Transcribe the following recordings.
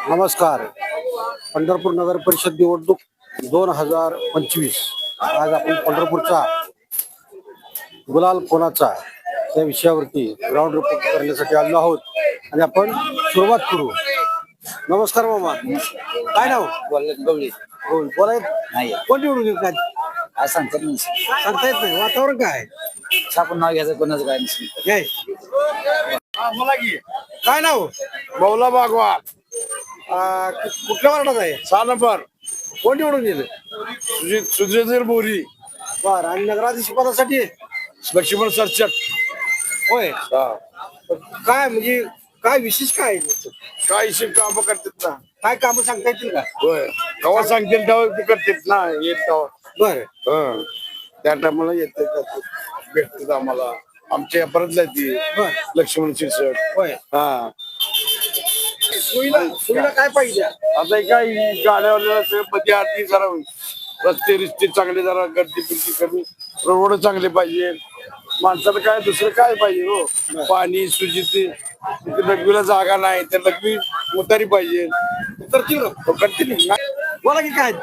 नमस्कार. पंढरपूर नगर परिषद निवडणूक 2025. आज आपण पंढरपूरचा गुलाल कोणाचा या विषयावरती ग्राउंड रिपोर्ट करण्यासाठी आलो आहोत आणि आपण सुरुवात करू. नमस्कार मामा, काय नाव? गवळी बोलाय नाही कोण निवडून येत नाही आज सांगतात नाही सांगता येत नाही. वातावरण काय आहे? आपण नाव घ्यायचं कोणाचं काय नसेल काय काय नाव? मौला बागवान कुठल्या वार्डात आहे? 6 नंबर कोण निवडून येईल? सुधीर बोरी बर. आणि नगराधीश पदासाठी लक्ष्मण सरचट. होय. काय म्हणजे काय विशेष काय आहे? काय काम करतात ना. काय काम सांगता येतील का? होय, कवा सांगतील तेव्हा ते करतात ना. येत तेव्हा बर त्या टायमाला येते भेटतात आम्हाला. आमच्या परतल्या ती बर लक्ष्मण शिरसट. होय. हा, सुविधा काय पाहिजे? आता काय गाड्यावाल्याला मध्ये आरती जरा रस्ते रिस्ते चांगले, जरा गर्दी बिर्दी कमी, रोड चांगले पाहिजे. माणसाला काय दुसरं काय पाहिजे हो? पाणी सुजिती, लघवीला जागा नाही तर लघवी उतारी पाहिजे. करतील ना. बोला की काय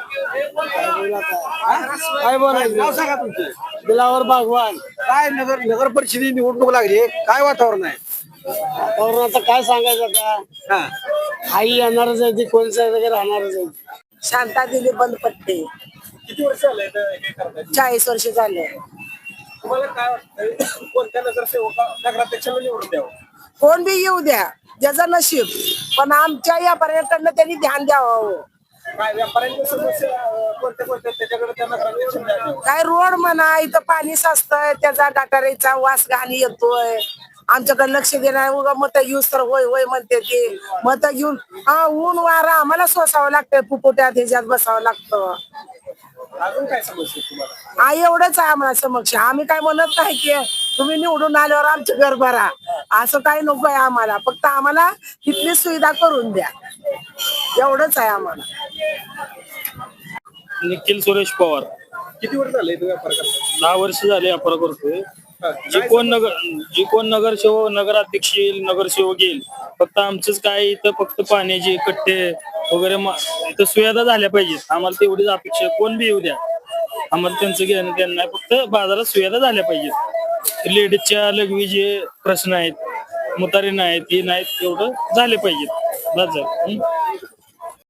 काय बोलायचं? नाव सांगा तुमचं. दिलावर बागवान. काय नगर परिषदेची निवडणूक लागली, काय वातावरण आहे? वातावरणाचं काय सांगायचं आता? हा आई येणारच आहे ती, कोणचं वगैरे राहणारच आहे. शांता दिली बंद पट्टे. किती वर्ष आले हे करताय? 40 वर्ष झाले. तुम्हाला काय वाटतंय कोणत्या नगरसेवक नगराध्यक्षाला निवडून द्यावं? कोण बी येऊ द्या, ज्याचं नशीब, पण आमच्या या पर्यटनाला त्यांनी ध्यान द्यावं. काय व्यापाऱ्यांच्या समस्या कोणत्या त्याच्याकडे त्या नगराध्यक्षाला द्यावं? काय रोड म्हणा, इथं पाणी साचतंय, त्याचा गटारीचा वास घाणी येतोय. आमच्याकडे लक्ष देणार, उगा मत घेऊस तर होय होय म्हणते ते. मत घेऊन ऊन वारा आम्हाला सोसावं लागतंय, पुपोट्यात ह्याच्यात बसावं लागतं. अजून काय समस्या तुम्हाला? एवढंच आहे आम्हाला समक्ष. आम्ही काय म्हणत नाही की तुम्ही निवडून आल्यावर आमचं घर भरा, असं काही नको आहे आम्हाला. फक्त आम्हाला तिथली सुविधा करून द्या, एवढंच आहे आम्हाला. निखिल सुरेश पवार. किती वर्ष झाले तुम्ही व्यापार करता? 10 वर्ष झाले व्यापार करतोय. जी कोण नगरसेवक, नगराध्यक्ष येईल, नगरसेवक येईल, फक्त आमचंच काय इथं फक्त पाण्याचे कट्टे वगैरे इथं सुविधा झाल्या पाहिजेत. आम्हाला तेवढीच अपेक्षा. कोण बी येऊ द्या, आम्हाला त्यांचं घेणं देणं नाही, फक्त बाजारात सुविधा झाल्या पाहिजेत. लेडीजच्या लघवीचे प्रश्न आहेत, मुतारी नाहीत, हे नाहीत, एवढं झाले पाहिजेत.